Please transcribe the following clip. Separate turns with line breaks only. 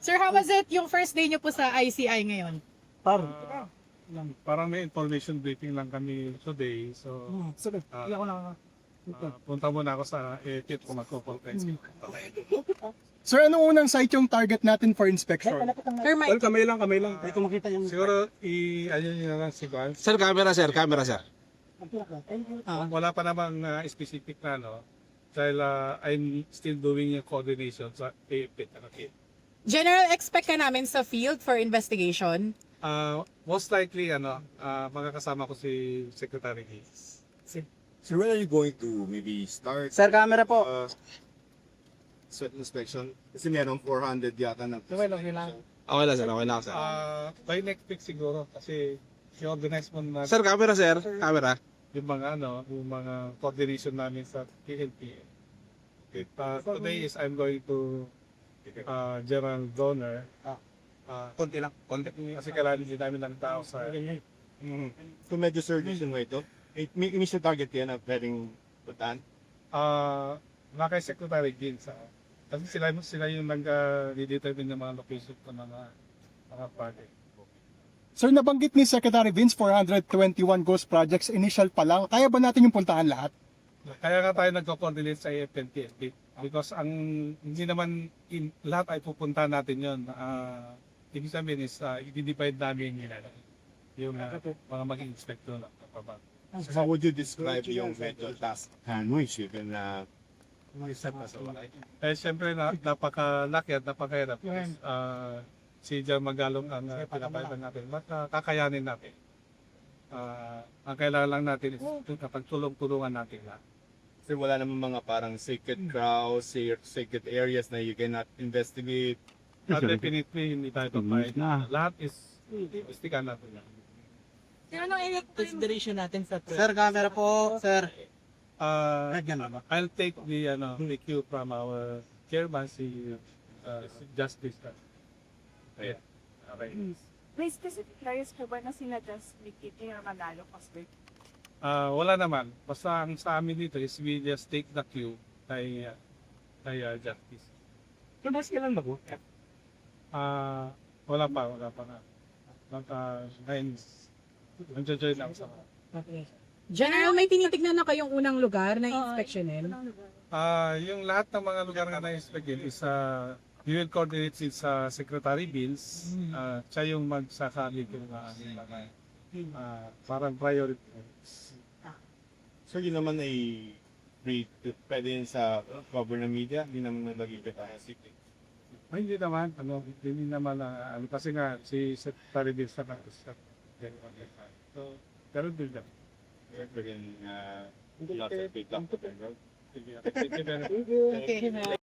Sir, how was it yung first day niyo po sa ICI ngayon?
Parang may information briefing lang kami today. So, punta muna ako sa EPIT kung magko-conference.
Sir, anong unang site yung target natin for inspection?
Sir,
Well, kamay lang. Siguro, ano nyo lang si Juan.
Sir, camera sir.
Wala pa namang specific na, no? Dahil I'm still doing yung coordination sa EPIT.
general expect ka namin sa field for investigation?
Most likely, makakasama ko si Secretary Hayes.
So when are you going to maybe start
Sir, camera po.
sweat inspection? Kasi meron 400 yata na.
Okay lang sir.
By next week siguro, kasi i-organize mo na
Sir, camera sir. Camera.
yung mga coordination namin sa PNP. Today is I'm going to General Donor.
Konti lang.
Kasi kailangan din namin ng tao sa...
So medyo surgeon mo ito? May initial target yan na pwedeng putan?
Mga kay Secretary din sa... Kasi sila yung nag-determine ng mga location ng mga project.
Sir, nabanggit ni Secretary Vince 421 ghost projects initial pa lang. Kaya ba natin yung puntahan lahat?
Kaya nga tayo nagko-coordinate sa AFNP because ang hindi naman lahat ay pupuntahan natin yon. Ibig sabihin is i-divide namin yung mga maging inspector na kapabag.
So how would you describe yung medyo task hand mo? You can
Siyempre napakalaki at napakahirap. Si Jan Magalong ang pinapalitan natin. Kakayanin natin. Ang kailangan lang natin is pagtulong-tulungan natin lahat.
kasi wala naman mga parang sacred crowds, sacred areas na you cannot investigate.
Definitely hindi tayo papayag. Lahat is investigahan natin yan.
Consideration natin sa
Sir, camera po. Sir.
I'll take the cue from our chairman, si Justice. Ayan. Okay.
May specific areas ka ba na sinadjust ni Kitty or Manalo kasi?
Wala naman. Basta ang sa amin dito is we just take the cue kay Justice.
Mas kailan ba po?
Wala pa nga. Ngayon, nag-join ako sa
General, may tinitignan na kayong unang lugar na inspeksyonin?
yung lahat ng mga lugar nga na-inspectin is we will coordinate sa Secretary Bills. Siya yung magsasabi kung parang priority.
So yun naman ay pwede yun sa cover ng media, hindi naman nag-ibig tayo secret.
Ay, hindi naman, kasi nga si Secretary Bills na so, pero din lang.
Pwede lots of big luck.
Sige.
Okay.